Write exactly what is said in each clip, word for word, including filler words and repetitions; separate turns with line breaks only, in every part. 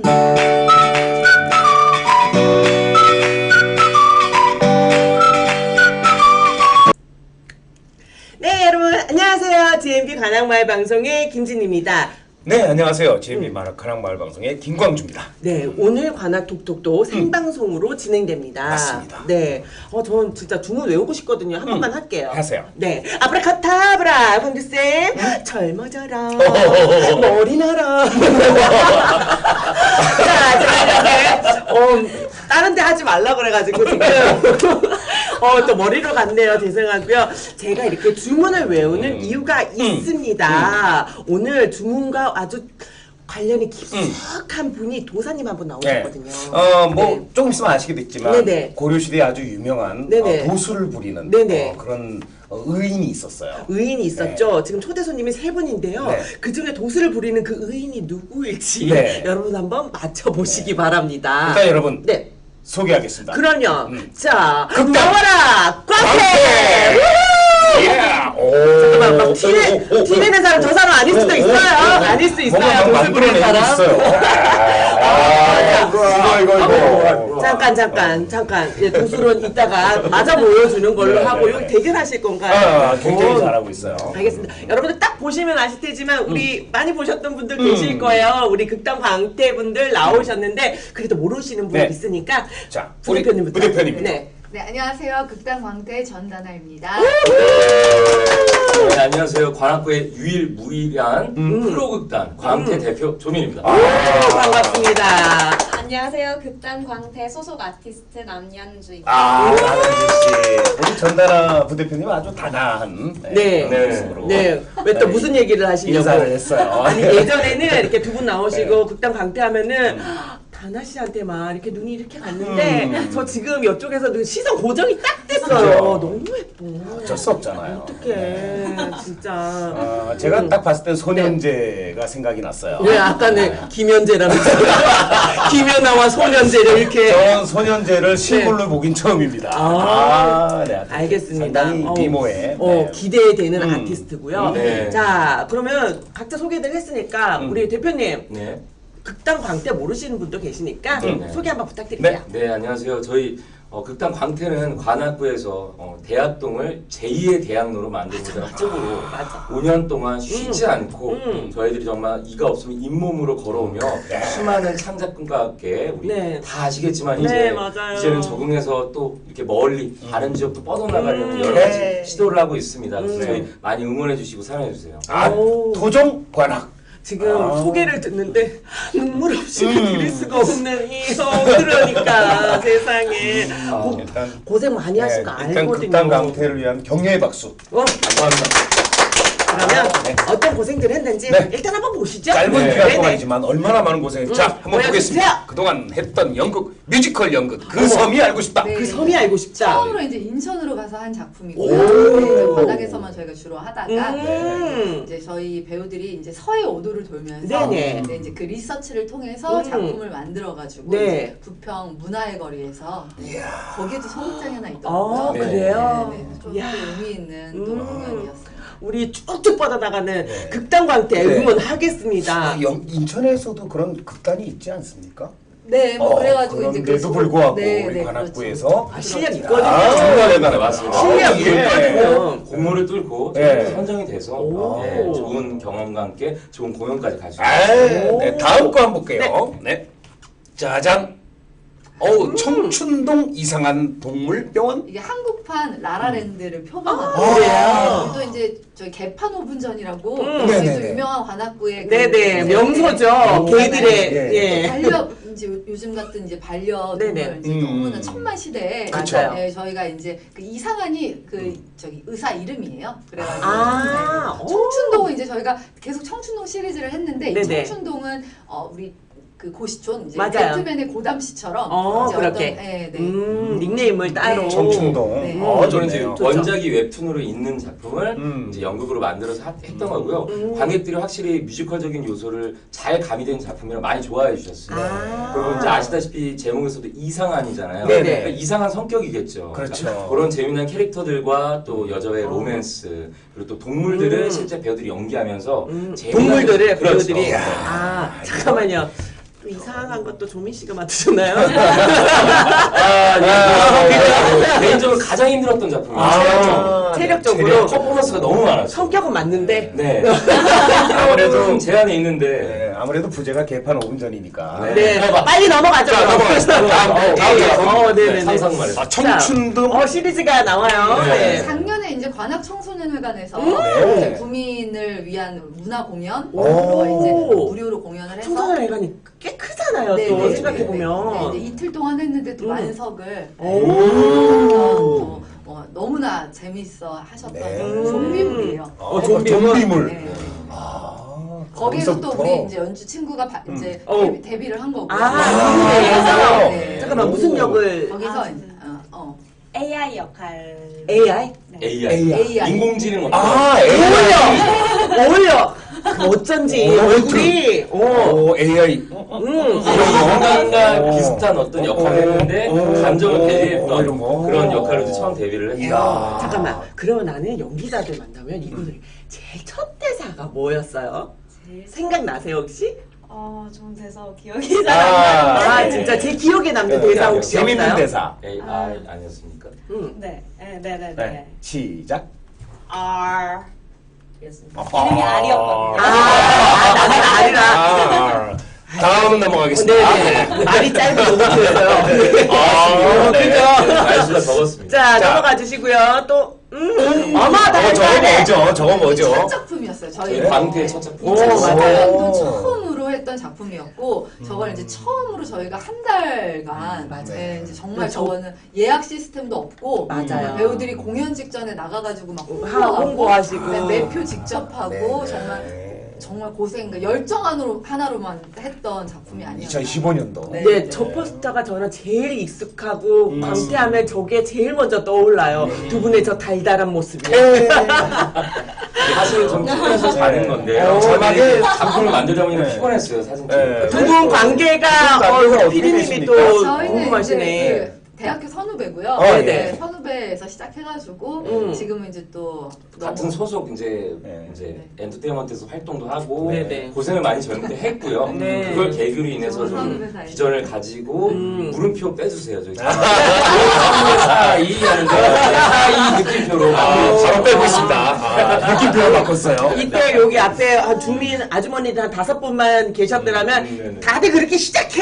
네, 여러분 안녕하세요. 지엠비 관악마을 방송의 김진입니다.
네, 안녕하세요. 지엠비 음. 관악마을 방송의 김광주입니다.
네, 오늘 관악톡톡도 생방송으로 음. 진행됩니다.
맞습니다.
네, 어, 전 진짜 주문 외우고 싶거든요. 한 음. 번만 할게요.
하세요.
네, 아브라카타브라, 광주쌤, 음? 젊어져라, 머리 나라. 자, 제가 이렇게 어, 다른 데 하지 말라 그래가지고 지금 어, 또 머리로 갔네요. 죄송하고요. 제가 이렇게 주문을 외우는 음. 이유가 음. 있습니다. 음. 오늘 주문과 아주 관련이 깊숙한 음. 분이 도사님 한 분 나오셨거든요.
네. 어, 뭐 네. 조금 있으면 아시게 됐지만
네네.
고려시대에 아주 유명한 어, 도수를 부리는 어, 그런 어, 의인이 있었어요.
의인이 있었죠.
네.
지금 초대 손님이 세 분인데요. 네. 그 중에 도수를 부리는 그 의인이 누구일지 네. 여러분 한번 맞춰보시기 네. 바랍니다.
일단 여러분
네.
소개하겠습니다.
그럼요.
음.
자,
극단.
나와라! 꽝패! 잠깐만, 막 티내, 티내는 사람 저 사람 아닐 수도 있어요. 아닐 수 있어요. 도수 부리는 사람.
아, 이거, 이거, 이거.
잠깐, 잠깐, 잠깐. 예, 도수론 이따가 맞아 보여주는 걸로 네, 하고요. 네. 대결하실 건가요?
아, 굉장히 오. 잘하고 있어요.
알겠습니다. 음. 여러분들 딱 보시면 아실 테지만 우리 음. 많이 보셨던 분들 음. 계실 거예요. 우리 극단 광태 분들 나오셨는데 그래도 모르시는 분 네. 있으니까.
자,
부대표님부터.
부대표님입니다.
네.
네, 안녕하세요. 극단 광태 전다나입니다.
네, 안녕하세요. 관악구의 유일무이한 음. 프로극단 광태 음. 대표 조민입니다.
아, 반갑습니다.
안녕하세요. 극단 광태 소속 아티스트 남연주입니다.
아, 남연주 씨. 우리 전다나 부대표님 아주 다나한
네. 네.
모습으로.
네. 왜 또 무슨 얘기를 하시려고?
인사를 했어요.
아니, 예전에는 이렇게 두 분 나오시고 네. 극단 광태 하면은 음. 다나 씨한테만 이렇게 눈이 이렇게 갔는데 음. 저 지금 이쪽에서 시선 고정이 딱 됐어요.
그렇죠.
너무 예뻐.
어쩔 수 없잖아요.
어떡해. 네. 진짜.
아, 제가 음. 딱 봤을 때 소년제가 네. 생각이 났어요.
왜 아까는 네. 김연재라는 김연아와 소년제를 이렇게.
전 소년제를 실물로 네. 보긴 처음입니다.
아, 아
네.
알겠습니다.
상당히 미모에
어,
네.
기대되는
음.
아티스트고요.
네.
자, 그러면 각자 소개를 했으니까
음.
우리 대표님.
네.
극단 광태 모르시는 분도 계시니까
네.
소개 한번 부탁드릴게요.
네, 네 안녕하세요. 저희 어, 극단 광태는 관악구에서 어, 대학동을 제이의 대학로로 만들고자 쪽으로 오 년 동안 쉬지
음.
않고
음.
저희들이 정말 이가 없으면 잇몸으로 걸어오며 네. 수많은 창작꾼과 함께 우리
네.
다 아시겠지만
네,
이제
맞아요.
이제는 적응해서 또 이렇게 멀리 음. 다른 지역도 뻗어나가려는
음.
여러 가지
네.
시도를 하고 있습니다. 그래서
음.
저희 많이 응원해 주시고 사랑해 주세요.
아, 토종 관악.
지금
아.
소개를 듣는데 눈물 없이 음. 드릴 수가 없는 이형 그러니까 세상에
아,
고,
일단,
고생 많이 하신 거
네,
알거든요.
일단 극단 광태를 위한 격려의 박수.
어?
감사합니다.
그러면
네.
어떤 고생들을 했는지
네.
일단 한번 보시죠.
짧은
네.
기간
네네.
동안이지만 얼마나 많은 고생을.
음.
자, 한번
보여주세요.
보겠습니다. 그동안 했던 연극, 뮤지컬 연극 그
어머.
섬이 알고 싶다.
네.
그 섬이 알고 싶다.
처음으로 이제 인천으로 가서 한 작품이고요.
오.
네, 이제 관악에서만 저희가 주로 하다가
음.
이제 저희 배우들이 이제 서해 오도를 돌면서
네네.
네, 이제 그 리서치를 통해서
음.
작품을 만들어가지고
네.
이제 부평 문화의 거리에서 네, 거기에도 소극장이 하나 있더라고요.
아,
네.
그래요?
네, 네, 좀
이야.
의미 있는 또
음.
공연이었어요.
우리 쭉쭉 뻗어나가는
네.
극단 광태
네.
응원하겠습니다.
아, 영, 인천에서도 그런 극단이 있지 않습니까?
네, 뭐
어,
그래가지고 이제
그런데도
그
불구하고
네,
우리
네,
관악구에서
그렇죠.
아, 실력
그렇죠.
있거든요.
아, 정말 대단해.
맞습니다.
실력
예.
있거든요.
공모를 뚫고
네.
선정이 돼서
오.
네, 좋은 경험과 함께 좋은 공연까지 갈 수
아,
있어요.
네, 다음 거 한번 볼게요. 네. 짜잔. 어우,
음.
청춘동 이상한 동물병원?
이게 한국판 라라랜드를 표방하는
아, 그래요?
또 이제 저희 개판 오 분 전이라고
음.
저희 또
네네네.
유명한 관악구의 그
네네,
이제
명소죠.
오.
개들의,
네.
예.
반려 이제 요- 요즘 같은 이제 반려동물
네네.
이제
음.
너무나 천만 시대에
그쵸.
네, 저희가 이제 그 이상한이 그 저기 의사 이름이에요. 그래가지고
아,
네. 청춘동은 이제 저희가 계속 청춘동 시리즈를 했는데 이
네네.
청춘동은 어 우리 그 고시촌 이제
맞아요.
배트맨의 고담 씨처럼
어,
이제
그렇게.
어떤, 네, 네.
음, 닉네임을 따로.
네.
청춘동.
네.
어,
저는 이제
좋네요.
좋죠.
원작이 웹툰으로 있는 작품을
음.
이제 연극으로 만들어서 하- 했던 거고요.
음.
관객들이 확실히 뮤지컬적인 요소를 잘 가미된 작품이라 많이 좋아해 주셨어요.
아.
그리고 이제 아시다시피 제목에서도 이상한이잖아요.
네네.
그러니까 이상한 성격이겠죠.
그렇죠.
그런 재미난 캐릭터들과 또 여자의
어.
로맨스 그리고 또 동물들을
음.
실제 배우들이 연기하면서
음,
재미난-
동물들을
그렇죠.
배우들이.
네.
아, 잠깐만요. 그 이상한 것도 조민 씨가 맡으셨나요?
아, 네. 개인적으로 가장 힘들었던 작품이에요.
아,
체력적으로
체력.
퍼포먼스가 너무 많았어요.
성격은 맞는데
네.
아무래도
좀 제한이 있는데.
네, 아무래도 부제가 개판 오 분 전이니까.
네, 빨리 넘어가죠.
자, 넘어가겠습니다. 다음, 다음, 다음 작품.
어, 네네네.
상상 말해서.
아, 청춘동.
어, 시리즈가 나와요.
네.
네.
작년에 이제 관악 청소년회관에서
네.
이제 구민을 위한 문화 공연으로
오.
이제 무료로 공연을 해서
청소년 회관이 꽤 크잖아요.
네,
또
네,
생각해보면.
네, 이제 이틀 동안 했는데 또
음.
만석을
오.
어, 어, 너무나 재밌어 하셨던
네.
좀비물이에요.
어, 좀비물.
좀비물.
네.
아,
거기에서 또
거기서부터.
우리 이제 연주 친구가 바- 이제
어.
데뷔, 데뷔를 한 거고.
아, 미국에서?
네.
잠깐만, 무슨 역을?
거기서
아,
이제 어, 어.
에이아이 역할.
에이아이?
에이아이.
에이아이.
인공지능 어떤
아, 에이아이.
어울려! 어울려! 그 어쩐지,
오,
얼굴이, 어.
오, 에이아이.
음.
영화관과
어.
비슷한 어떤
어.
역할을 했는데
어.
감정을
어.
대리했던
이런 거.
그런 역할로 이제 처음 데뷔를 했어요.
이야.
잠깐만, 그러면 나는 연기자들 만나면 이분들 제일 첫 대사가 뭐였어요?
제일
생각나세요, 혹시?
어, 좀 돼서 기억이 잘
아,
안 나는데.
아,
네.
진짜 제 기억에 남는
네,
대사
네,
혹시
재밌는
없나요?
대사.
에이아이 아니었습니까?
응.
네, 네, 네, 네.
네.
네.
시작.
R. 였습니다.
아.
이름이 R이었거든요.
아, 아, 나는 아니라.
아, 다음 넘어가겠습니다.
네네. 말이 짧은 노트였어요.
아, 네.
그죠?
말수가 적었습니다.
자,
자.
넘어가 주시고요. 또, 음, 어머,
어,
나
저거 뭐죠? 저거 뭐죠?
첫 작품이었어요. 저희
저희 광태의 첫 작품.
오,
이천십팔
맞아요.
년도 처음으로 했던 작품이었고 저걸 이제 처음으로 저희가 한 달간
맞아요.
네, 이제 정말
그렇죠.
저거는 예약 시스템도 없고
맞아요.
정말 배우들이 공연 직전에 나가가지고 막
하-
홍보하고
홍보하시고.
네, 매표 직접 하고
네.
정말 정말 고생 그러니까 열정 하나로, 하나로만 했던 작품이 아니었나.
이천십오 년도.
네.
네, 저 포스터가 저는 제일 익숙하고
음.
광태하면 저게 제일 먼저 떠올라요. 두 분의 저 달달한 모습이.
사실 좀 피곤해서 자는 건데
어,
저만의
네.
작품을 만들다 보니까
네.
피곤했어요 사진
네.
찍으니까.
두 분 관계가
관계가
어,
어떻게
피디님이
되십니까?
또
저희는
궁금하시네.
이제 그 대학교 선후배고요.
어,
네,
네.
선후배에서 시작해가지고
음.
지금은 이제 또
같은
너무
소속 이제
네.
이제 엔터테인먼트에서 활동도 하고
네네.
고생을 많이 젊을 때 했고요.
네.
그걸 계기로 인해서
좋은
좀
선후배 사이.
비전을 가지고
음.
물음표 빼주세요 저기. 사이 하는데 사이 느낌표로.
아, 바로 빼고 있습니다. 아, 느낌표를 바꿨어요.
이때 여기 앞에 한 주민 아주머니들 한 다섯 분만 계셨더라면
음, 네네.
다들 그렇게 시작해.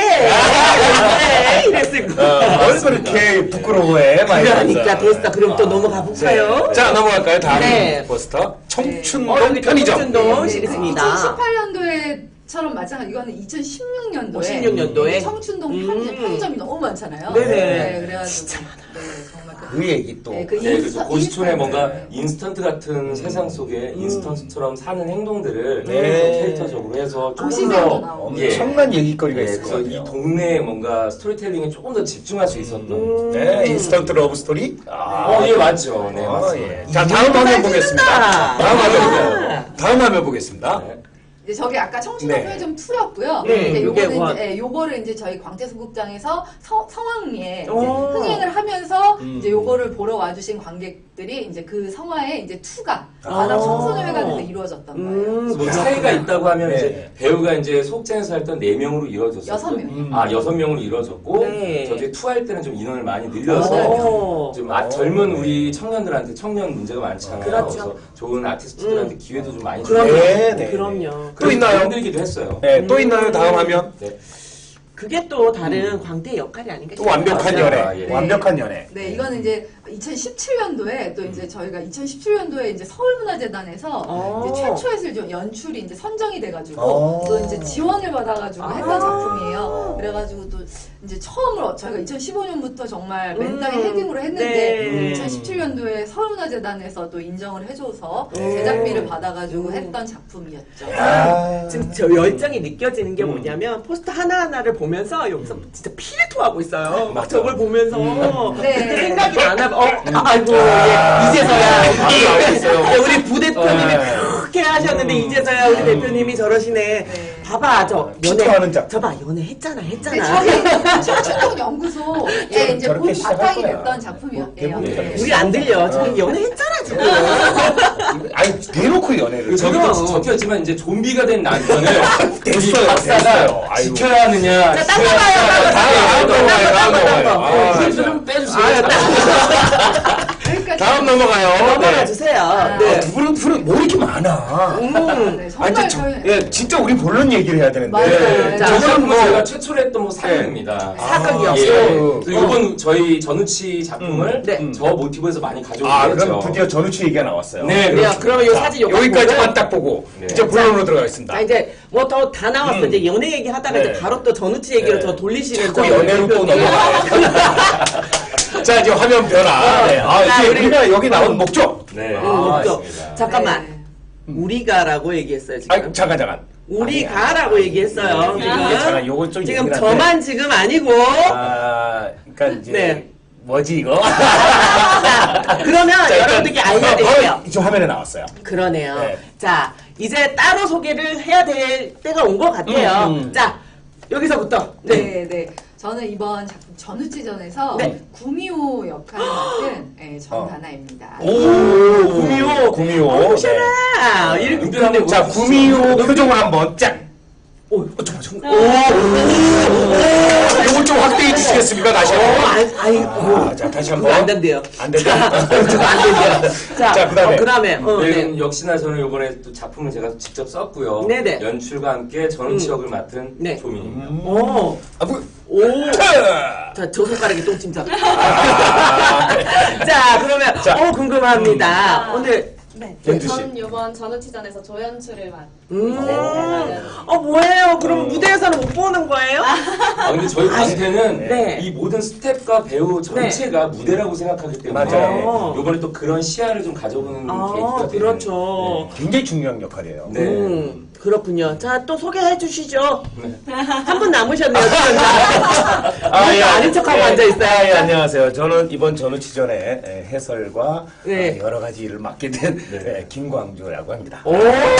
네, 이랬을
어,
거예요.
뭘 그렇게 부끄러워해? 많이
그러니까
봤어요.
됐어. 그럼 또 넘어가 볼까요?
네. 자, 넘어갈까요? 다음
네.
포스터. 청춘동
어, 여기
편의점.
청춘동 시리즈입니다.
이천십팔 년도에처럼 마찬가지 이거는 이천십육 년도에
십육 년도에?
청춘동
음.
편의점, 편의점이 너무 많잖아요.
네네.
그래가지고
진짜
네, 정말 그,
그 얘기 또.
네, 그
네, 그래서
인스타-
고시촌의
인스타-
뭔가
네.
인스턴트 같은 세상 속에 인스턴트처럼 사는 행동들을
네.
좀 캐릭터적으로 해서 조금
고시생도
더
나오고.
예.
엄청난 얘기거리가
네,
있을 것
그래서 이
같아요.
동네에 뭔가 스토리텔링에 조금 더 집중할 수 있었던.
음.
네, 인스턴트 러브 스토리. 아,
어, 예, 맞죠. 네,
아,
맞습니다.
예. 자, 다음 화면 보겠습니다.
찌른다.
다음 화면,
아.
다음 화면 보겠습니다.
네.
이제 저게 아까 청춘동
네.
편의점 투였고요.
네,
이제
요게
요거는
원.
이제 예, 요거를 이제 저희 광태소극장에서 서, 성황리에 이제
오.
흥행을 하면서
음.
이제 요거를 보러 와주신 관객들이 이제 그 성화에 이제 투가
아.
바닥 청소년회관에서 이루어졌던 거예요.
음,
그래서 뭐 차이가 있다고 하면
네.
이제 배우가 이제 소극장에서 했던 네 명으로 이루어졌었고
여섯 명.
음.
아 여섯 명으로 이루어졌고
네.
저기 투할 때는 좀 인원을 많이 늘려서
오.
좀 아, 젊은 우리 청년들한테 청년 문제가 많잖아요.
그렇죠.
그래서 좋은 아티스트들한테
음.
기회도 좀 많이
그럼요.
주고
네, 네.
그럼요.
또 있나요?
힘들기도 했어요.
네, 또 있나요? 다음 화면.
네.
그게 또 다른 광태의 역할이 아닌가
또
싶어요.
완벽한
맞아요.
연애.
아, 예.
완벽한 연애.
네, 이거는 이제 이천십칠 년도에 또 이제 저희가 이천십칠 년도에 이제 서울문화재단에서
어.
이제 최초의 좀 연출이 이제 선정이 돼가지고
어.
또 이제 지원을 받아가지고
아.
했던 작품이에요. 그래가지고 또 이제 처음으로 저희가 이천십오 년부터 정말 맨땅에
음.
헤딩으로 했는데
네.
이천십칠 년도에 서울문화재단에서 또 인정을 해줘서
네.
제작비를 받아가지고
음.
했던 작품이었죠.
아.
지금 저 열정이 느껴지는 게
음.
뭐냐면 포스터 하나하나를 보면서 여기서 진짜 피를 토하고 있어요. 막
맞아.
저걸 보면서
네.
그때 생각이 나나 봐. 어, 아이고 예, 이제서야
아유, 알겠어요.
예, 우리 부대표님이
네.
그렇게 하셨는데
음.
이제서야 우리 대표님이 저러시네.
네.
봐봐 저
피토하는 작.
저봐 연애 했잖아
네,
했잖아.
저희 청춘동 연구소에 이제
저렇게
본
시작할
바탕이
거야.
됐던 작품이에요.
대부분
네.
저렇게
우리 안 들려. 지금 연애 했잖아 지금.
아니 대놓고 연애를.
그 저기도 적혔지만 이제 좀비가 된 남편을 우리
됐어요,
박사가
됐어요. 아이고.
지켜야 하느냐.
자, 딴 거 봐요,
다음 넘어가요. 다음 넘어가요. 아,
이게
진짜.
좀 빼주세요.
그러니까
다음 넘어가요.
넘어가
네.
주세요.
아,
네.
아, 두 분은 둘은 뭐 이렇게 많아.
음.
네,
아,
정말
이제 저,
저희
예, 진짜 우리 본론 얘기를 해야 되는데.
맞아요.
네.
자,
저거는
저거는
뭐
뭐
제가 최초로 했던 뭐 사극입니다.
사극이요?
예.
어.
그래서 이번 저희 전우치 작품을
네.
저 모티브에서 많이 가져오게
아,
됐죠.
그럼 드디어 전우치 얘기가 나왔어요.
네,
그래요.
그렇죠.
그러면 이
자,
사진 요거
여기까지만
보고.
딱 보고
네.
이제 본론으로 들어가겠습니다.
자, 이제 뭐 더 다 나왔어.
음.
이제 연애 얘기 하다가
네.
이제 바로 또 전우치 얘기로
네.
더 돌리시는
자꾸
저
연애로 또
대표님.
넘어가요. 자, 이제 화면 변화. 네. 아,
자,
이게
우리-
우리가 여기 나온 목적.
네.
음,
아,
목적.
맞습니다.
잠깐만.
네.
우리가라고 얘기했어요, 지금.
아, 잠깐 잠깐.
우리가라고 얘기했어요.
이게
지금.
잠깐 요건 좀
지금
예민한데.
저만 지금 아니고.
아, 그러니까 이제
네.
뭐지 이거?
자, 그러면
자, 일단
여러분들께 알려야
어,
돼요.
어, 저 화면에 나왔어요.
그러네요.
네.
자, 이제 따로 소개를 해야 될 때가 온 것 같아요.
음, 음.
자, 여기서부터. 네.
네, 네. 저는 이번 작품 전우치전에서
네.
구미호 역할을 맡은 네, 전다나입니다.
오, 구미호,
어,
구미호.
보셔라.
네.
이렇게
은별한
근데
자, 구미호 표정을 한번 짠.
오,
어, 잠깐만, 잠깐만. 오, 이걸 좀 확대해 주시겠습니까? 다시
어,
한번.
아, 아이, 어,
아, 자, 다시
그거
한번.
안 된대요.
안 된다.
자, 그거 안 된대요. 자,
자, 그다음에.
어, 그다음에, 어,
네,
네.
역시나 저는 이번에 또 작품을 제가 직접 썼고요.
네네.
연출과 함께 전우치 역을 맡은
네.
조민입니다.
오,
아, 뭐.
오.
자.
자, 저 손가락에 똥침자.
아,
자, 그러면,
자.
어, 궁금합니다.
음.
오늘,
네.
연주 씨.
전 이번 전우치전에서 조연출을 맡.
음,
네.
어, 뭐예요? 그럼
어.
무대에서는 못 보는 거예요?
아 근데 저희 광태는
네.
이 모든 스텝과 배우 전체가 무대라고 생각하기 때문에
맞아요.
이번에 또 그런 시야를 좀 가져보는
아,
계기가 되는
그렇죠.
굉장히 중요한 역할이에요.
네.
음, 그렇군요. 자, 또 소개해 주시죠.
네.
한 분 남으셨네요, 출연자.
아, 예,
아닌 척하고
예,
앉아있어요.
아, 예, 안녕하세요. 저는 이번 전우치전에 예, 해설과
네.
어, 여러 가지 일을 맡게 된
네.
예, 김광조라고 합니다.
오,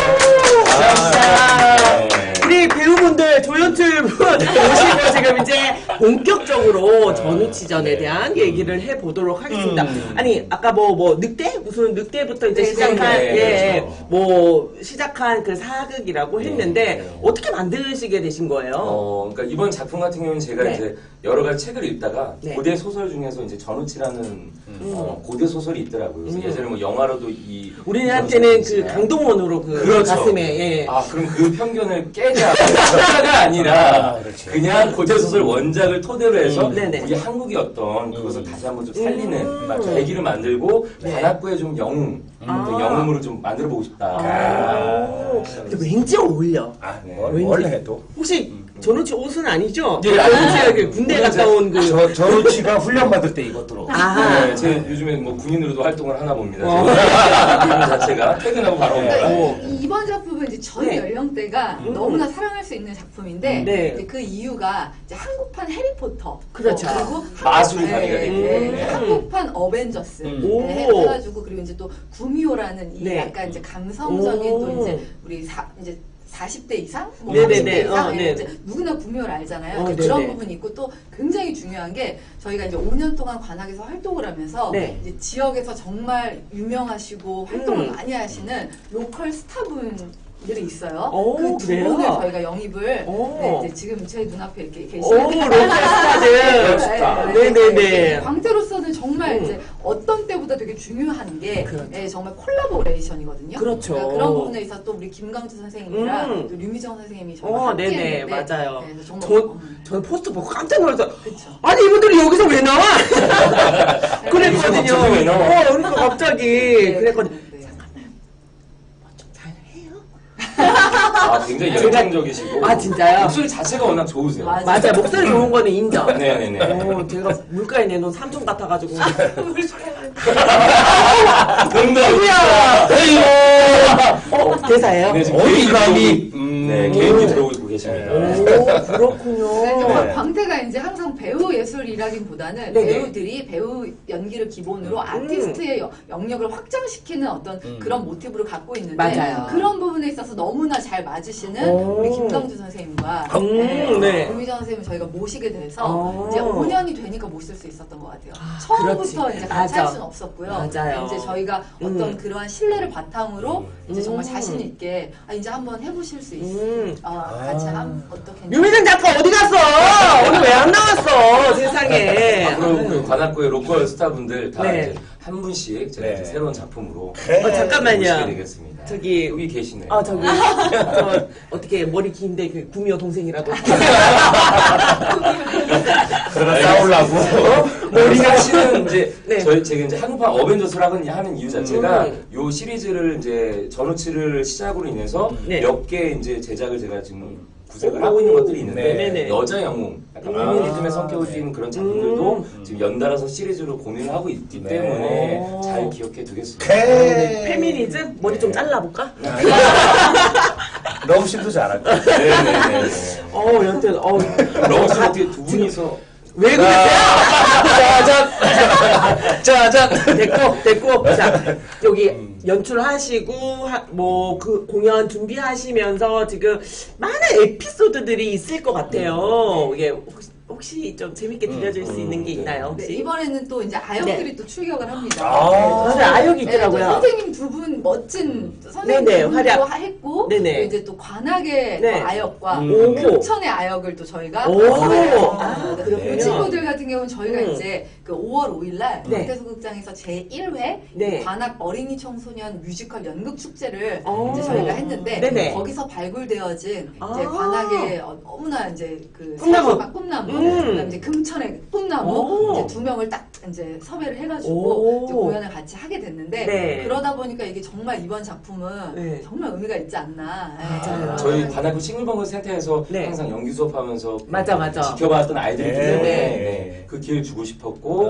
아,
자,
네.
우리 배우분들 조연출 분 오시고 지금 이제 본격적으로 전우치전에
네.
대한 얘기를 해보도록 하겠습니다.
음.
아니, 아까 뭐, 뭐, 늑대? 무슨 늑대부터 이제
네,
시작한,
네,
예,
그렇죠.
뭐, 시작한 그 사극이라고 했는데,
네.
어떻게 만드시게 되신 거예요?
어, 그러니까 이번 작품 같은 경우는 제가
네.
이제 여러 가지 책을 읽다가
네.
고대 소설 중에서 이제 전우치라는 어, 고대 소설이 있더라고요. 그래서
음.
예전에 뭐 영화로도 이
우리한테는 그
있지만
강동원으로 그
그렇죠.
가슴에, 예.
아 그럼 그 편견을 깨자 깨자가 아니라
아, 그렇지.
그냥 고대 소설 원작을 토대로 해서
음, 네네.
우리 한국의 어떤 그것을
음.
다시 한번 좀 살리는
음.
맞아요. 계기를 만들고
네.
관악구의 좀 영웅
아.
그 영웅으로 좀 만들어 보고 싶다.
아, 근데 왠지 어울려.
아,
네.
뭘,
왠지.
뭘 해도.
혹시 전우치 옷은 아니죠?
예,
전우치가 그 군대 갔다 온 그.
저, 전우치가 훈련 받을 때 입었도록.
아.
네, 제 요즘에 뭐 군인으로도 활동을 하나 봅니다.
어.
군인 자체가 퇴근하고 바로 온 거라.
어.
이- 이번 작품은 이제 전
네.
연령대가
음.
너무나 사랑할 수 있는 작품인데
네.
이제 그 이유가 이제 한국판 해리포터
그렇죠.
어, 그리고
마술이
한국-
가미가
네,
되고.
네,
음.
네. 한국판 어벤져스
음.
네,
오.
해가지고 그리고 이제 또 구미호라는 이
네.
약간 이제 감성적인
오.
또 이제 우리 사, 이제 사십 대 이상? 뭐
네네네.
삼십 대 이상?
어,
예,
네.
이제 누구나 구미호를 알잖아요.
어,
근데
네네.
그런 부분이 있고 또 굉장히 중요한 게 저희가 이제 오 년 동안 관악에서 활동을 하면서
네.
이제 지역에서 정말 유명하시고 활동을
음.
많이 하시는 로컬 스타분들이 있어요.
오,
그 두
그래요?
분을 저희가 영입을
오.
네, 이제 지금 제 눈앞에 이렇게
오,
계시는데
로컬 스타들.
스타.
네네네.
광태로서는 정말
음.
이제 어떤 때보다 되게 중요한 게
그렇죠.
예, 정말 콜라보레이션이거든요.
그렇죠.
그러니까 그런 부분에 있어서 또 우리 김강주 선생님이랑
음.
또 류미정 선생님이 정말
어,
함께
네네,
했는데
맞아요.
네, 그래서 정말
전,
음.
전 포스터 보고 깜짝 놀랐어요.
그쵸.
아니, 이분들이 여기서 왜 나와?
갑자기
그랬거든요.
왜 나와?
어, 그러니까 갑자기.
네,
그랬거든요.
네.
잘해요?
아 굉장히
제가-
열정적이시고.
아, 진짜요?
목소리 자체가 워낙 좋으세요.
맞아요.
맞아요. 목소리 좋은 거는 인정.
네네네.
어, 제가 물가에 내놓은 삼촌 같아가지고.
농담이야.
어, 대사예요?
네, 지금
어디
개인기
감히.
들어오고-
음.
네, 개인기 들어오고 계시고. 계십니다.
오, 그렇군요.
네, 정말
네.
광태가 이제 항상 배우 예술이라기보다는
네네.
배우들이 배우 연기를 기본으로 아티스트의 여- 영역을 확장시키는 어떤
음.
그런 모티브를 갖고 있는데
맞아요.
그런 부분에 있어서 너무나 잘 맞으시는
오.
우리 김강주 선생님과
음,
네,
네.
고미정 선생님을 저희가 모시게 돼서
어.
이제 오 년이 되니까 모실 수 있었던 것 같아요.
아,
처음부터
그렇지.
이제 같이
맞아.
할 수는 없었고요.
맞아요.
이제 저희가 어떤
음.
그러한 신뢰를 바탕으로 이제 정말
음.
자신 있게 아, 이제 한번 해보실 수 있,
음.
어, 같이 한 어떻게
유미정 작가 어디 갔어? 오늘 왜 안 나왔어? 세상에.
앞으로 그 관악구의 로컬 스타분들 다
네.
이제 한 분씩 제가
네.
이제 새로운 작품으로
어, 잠깐만요.
모시게 되겠습니다.
저기
여기 계시네요.
아 저기 저 어떻게 머리 긴데 그 구미호 동생이라도
그러다 싸우려고.
우리 사실은 이제
네.
저희 제가 이제 한국판 어벤져스를 하는, 하는 이유 자체가
음.
요 시리즈를 이제 전우치를 시작으로 인해서
네.
몇 개 이제 제작을 제가 지금 구색을
오.
하고 있는 것들이 있는데
네네.
여자 영웅, 약간
음.
페미니즘의 성격을 띠는 그런 작품들도
음.
지금 연달아서 시리즈로 고민을 하고 있기
네.
때문에
오.
잘 기억해 두겠습니다.
오케이.
페미니즘 머리 좀 잘라볼까?
러브씬도 잘할 거야.
네네네.
어 여튼 어
러브스 어떻게 두 분이서
왜 그랬어요?
짜잔! 짜잔!
됐고 됐고 자 여기 연출하시고 뭐 그 공연 준비하시면서 지금 많은 에피소드들이 있을 것 같아요. 이게 혹시, 혹시 좀 재밌게 들려줄 수 있는 게 있나요?
네,
혹시?
이번에는 또 이제 아역들이
네.
또 출격을 합니다.
아.
맞아요. 아역이
네,
있더라고요.
또 선생님 두 분 멋진 선생님
네네,
두 분도
활약.
했고
네네.
또 이제 또 관악의
네.
또 아역과
음.
금천의 아역을 또 저희가
오.
했어요.
아,
네.
그렇군요.
그 친구들 같은 경우는 저희가
음.
이제 그 오월 오일날
네.
광태소극장에서 제일 회
네.
관악 어린이 청소년 뮤지컬 연극 축제를
오.
이제 저희가 했는데
네네.
거기서 발굴되어진
아.
이제 관악의 어, 너무나 이제 그
꿈나무.
사실과 꿈나무,
음.
그다음에 이제 금천의 꿈나무
오.
이제 두 명을 딱 이제 섭외를
오.
해가지고 이제 공연을 같이 하게 됐는데
네.
그러다 보니까 이게 정말 이번 작품은
네.
정말 의미가 있지 않나. 네.
맞아요.
저희 관악구 싱글벙글 센터에서
네.
항상 연기 수업하면서
맞아, 맞아.
지켜봤던 아이들이
네.
때문에
네.
네. 그 기회를 주고 싶었고
오.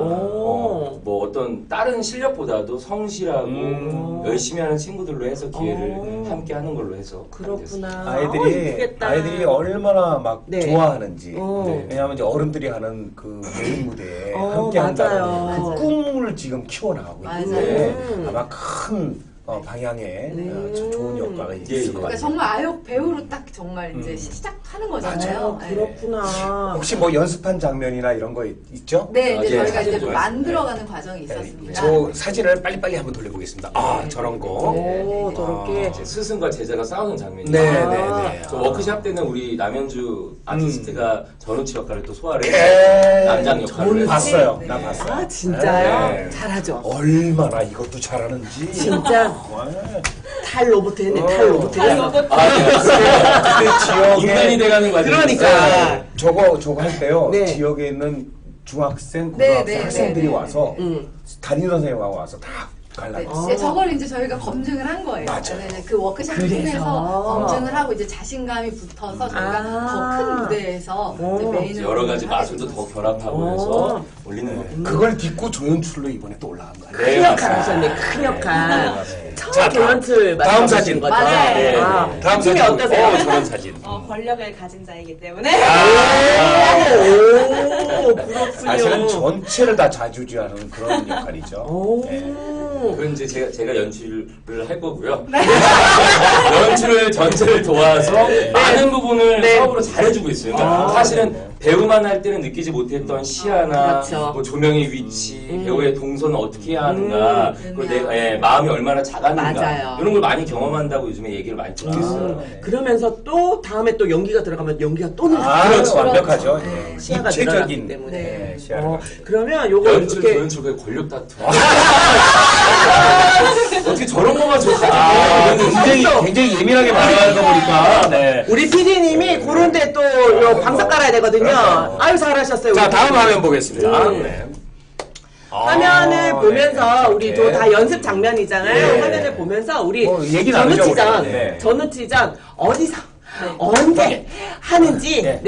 어, 뭐 어떤 다른 실력보다도 성실하고
음.
열심히 하는 친구들로 해서 기회를
오.
함께 하는 걸로 해서
그렇구나. 어,
아이들이
이쁘겠다.
아이들이 얼마나 막
네.
좋아하는지.
어.
네. 왜냐하면 이제 어른들이 하는 그 메인 무대에
어,
함께 한다는
맞아요.
그 꿈을 지금 키워나가고
맞아요.
있는데
음.
아마 큰 어, 방향에
네.
어, 저- 좋은 효과가 있을
예, 예.
것
그러니까
같아요.
정말 아역 배우로 딱 정말 이제
음.
시작하는
아,
거잖아요. 네.
그렇구나.
혹시 뭐 연습한 장면이나 이런 거 있, 있죠?
네,
아,
이제
예,
저희가
사진
이제 좀
보여주세요.
만들어가는 과정이
네,
있었습니다.
저 사진을 빨리빨리 한번 돌려보겠습니다. 아, 저런 거.
오, 저렇게.
이제 스승과 제자가 싸우는 장면이
네,
아.
네, 네.
저 워크샵 때는 우리 남현주 아티스트가 전우치 역할을 또 소화를 해서
네.
남장 역할을
저는
해서
봤어요.
네.
나 봤어요.
아 진짜요?
네.
잘하죠.
얼마나 이것도 잘하는지.
진짜
네.
탈 로봇 했네.
어.
탈 로봇
탈
했어.
로봇.
아, 네, 맞습니다.
그 지역에
인간이 돼가는 과정.
그러니까.
저거 저거 할 때요.
네.
지역에 있는 중학생,
네,
고등학생
네,
학생들이
네, 네.
와서
음.
담임 선생님하고 와서 다
네,
갈라졌어요.
이제 저걸 이제 저희가 검증을 한 거예요.
맞아요.
네, 네, 그 워크숍을
그래서.
통해서 검증을 하고 이제 자신감이 붙어서 저희가
아.
더 큰 무대에서
오.
이제 메인을
여러 가지
하게
마술도 더
됐었어요.
결합하고
오.
해서 올리는 거예요.
그걸 딛고 조연출로 이번에 또 올라간 거예요.
큰
네,
역할
맞습니다.
하셨네. 큰 역할.
맞습니다.
처음
자,
조연출
다음
맡아보신
사진.
거죠?
맞아요.
네,
아,
네.
다음
느낌이
사진.
어떠세요?
어, 저런 사진.
어, 권력을 가진 자이기 때문에
오, 그렇군요.
사실은 전체를 다 좌지우지하는 그런 역할이죠.
오.
네.
그건 이제 제가, 제가 연출을 할 거고요. 연출을 전체를 도와서 많은 부분을
네.
사업으로 잘해주고 있어요. 그러니까
아.
사실은 배우만 할 때는 느끼지 못했던 시야나
그렇죠.
뭐 조명의 위치,
음.
배우의 동선을 어떻게 해야 하는가,
음.
그리고 내 예, 마음이 얼마나 작았는가
맞아요.
이런 걸 많이 경험한다고 요즘에 얘기를 많이 듣고 있어요.
아, 그러면서 또 다음에 또 연기가 들어가면 연기가 또 늘죠.
아,
그렇죠.
완벽하죠.
그렇죠.
네.
시야가
입체적인
늘어나기 때문에.
네, 시야를
어,
갖게 돼요.
그러면 요거
연출,
이렇게
조연출, 그 권력 다툼. 어떻게 저런 거만 좋지?
아, 굉장히, 굉장히 예민하게 말하는 거 보니까. 네.
우리 피디님이 그런데 또 요 방석 깔아야 되거든요. 아유 잘하셨어요.
자,
우리
다음
피디님.
화면 보겠습니다.
음.
네.
화면을
아,
보면서
네.
우리
이렇게.
저 다 연습 장면이잖아요.
네.
화면을 보면서 우리
뭐 얘기 나누죠,
전우치전,
우리. 네.
전우치전 어디서 언제 하는지
네.
네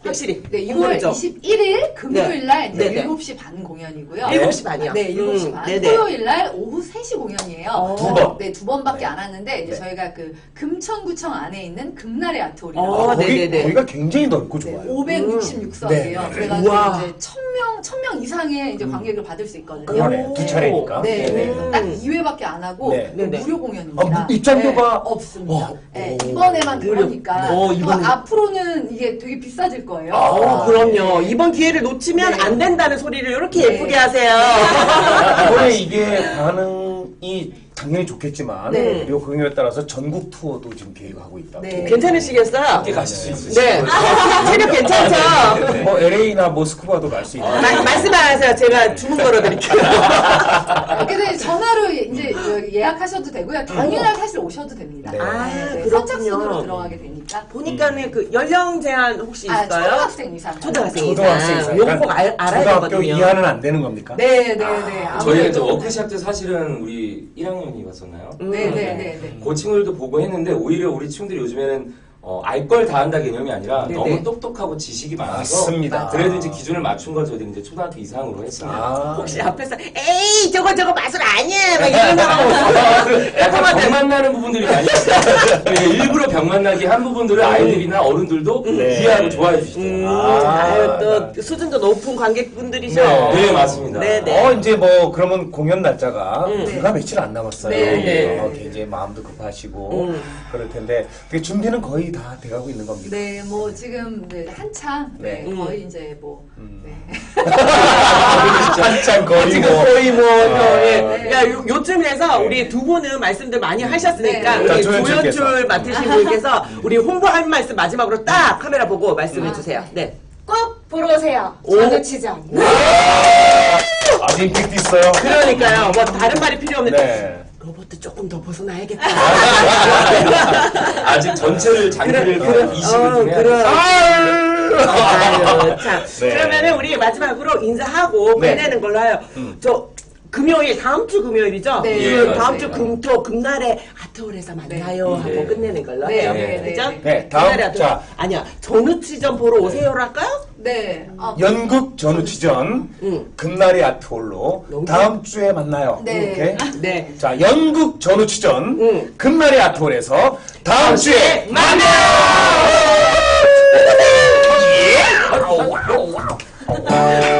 확실히.
네, 유월
궁금해져.
이십일일 금요일 날 이제
네네.
일곱 시 반 공연이고요.
일곱 시 반이요?
네, 일곱 시
음,
반.
네네.
토요일 날 오후 세 시 공연이에요.
어.
두 번.
네, 두 번밖에
네.
안 왔는데 이제
네.
저희가 그 금천구청 안에 있는 금날의 아트홀이라고
어,
거기,
네네네.
거기가 굉장히 넓고
네,
좋아요.
오백육십육 석이에요.
네, 네.
그래가지고
우와.
이제 천 명, 천 명 이상의 이제 관객을 받을 수 있거든요.
그러네.
오.
두 차례니까.
네,
네.
그래서 딱 이 회밖에 안 하고
네.
또
네네.
무료 공연입니다.
아, 무- 입장료가?
네, 없습니다.
어,
네,
오.
이번에만
무료.
그러니까
어,
또
이번에.
앞으로는 이게 되게 비싸질 거예요.
어,
아,
그럼요. 이번 기회를 놓치면
네.
안 된다는 소리를 이렇게
네.
예쁘게 하세요.
이번에 이게 반응이 당연히 좋겠지만
네.
이 공연에 따라서 전국 투어도 지금 계획하고 있다고.
네.
괜찮으시겠어요?
함께 가실 수 있으시죠?
네. 체력 괜찮죠?
뭐 엘에이나 모스크바도 갈 수 있는.
마- 말씀 안 하세요. 제가 주문 걸어드릴게요.
그래서 전화로 이제 그 예약하셔도 되고요. 당일날 사실 오셔도 됩니다.
네.
아,
네,
그렇군요.
선착순으로 들어가게 되니까.
보니까는 그 연령 제한 혹시
아,
있어요?
초등학생 이상.
초등학생
초등학생
이상.
이상.
요거 꼭 알, 알아야
초등학교
되거든요.
이하는 안 되는 겁니까?
네, 네, 네.
저희가 이제
아무래도-
워크샵 때 사실은 우리 일 학년이 갔었나요?
음.
네, 네, 네, 네.
그 친구들도 보고 했는데 오히려 우리 친구들이 요즘에는 어, 알 걸 다 한다 개념이 아니라
네네.
너무 똑똑하고 지식이 많아서
맞습니다.
그래도 이제 기준을 맞춘 걸 저희들이 이제 초등학교 이상으로 했습니다.
아,
혹시 앞에서 에이 저거 저거 마술 아니야 막 이런 사람 없어요?
약간 병 만나는 부분들이 많이 있어요. 네, 일부러 병 만나게 한 부분들을 아이들이나 어른들도
네.
이해하고 좋아해
음,
주시더라고요.
아,
아유 또 수준도 높은 관객분들이죠.
네.
네, 맞습니다.
네네.
어 이제 뭐 그러면 공연 날짜가
음.
불과 며칠 안 남았어요.
네,
네.
어, 굉장히 마음도 급하시고
음.
그럴 텐데 그 준비는 거의 다 돼가고 있는 겁니다.
네, 뭐 지금 네, 한창 네,
네.
거의 이제 뭐
음.
네.
한참 거의
지금
뭐
거의 뭐,
아,
저, 예.
네.
그러니까 요, 요쯤에서
네.
우리 두 분은 말씀들 많이 하셨으니까
네.
우리
자, 조연출께서.
조연출 맡으신 분께서 우리 홍보할 말씀 마지막으로 딱 카메라 보고 말씀해
아,
주세요. 네.
꼭 보러 오세요.
오.
전우치전.
아주 임팩트 있어요.
그러니까요. 뭐 다른 말이 필요 없는데
네.
로봇 조금 더 벗어나야겠다.
아직 전체를 장기를
그래,
한 이십을
어,
좀 해야
그래.
돼요.
아유, 참.
네.
그러면은 우리 마지막으로 인사하고
네.
끝내는 걸로 해요. 저 금요일 다음 주 금요일이죠?
네.
그
예,
다음
맞습니다.
주 금토 금날에 아트홀에서 만나요
네.
하고
네.
끝내는 걸로
네,
해요.
네, 네,
그죠?
네.
네, 다음,
금날에 아트홀.
자.
아니야 전우치전 보러 오세요로 할까요?
네. 아,
연극 전우치전
응.
금날이 아트홀로
너무
다음 주에 만나요.
네.
이렇게.
네.
자, 연극 전우치전
응.
금날이 아트홀에서 다음 주에
만나요!
만나요.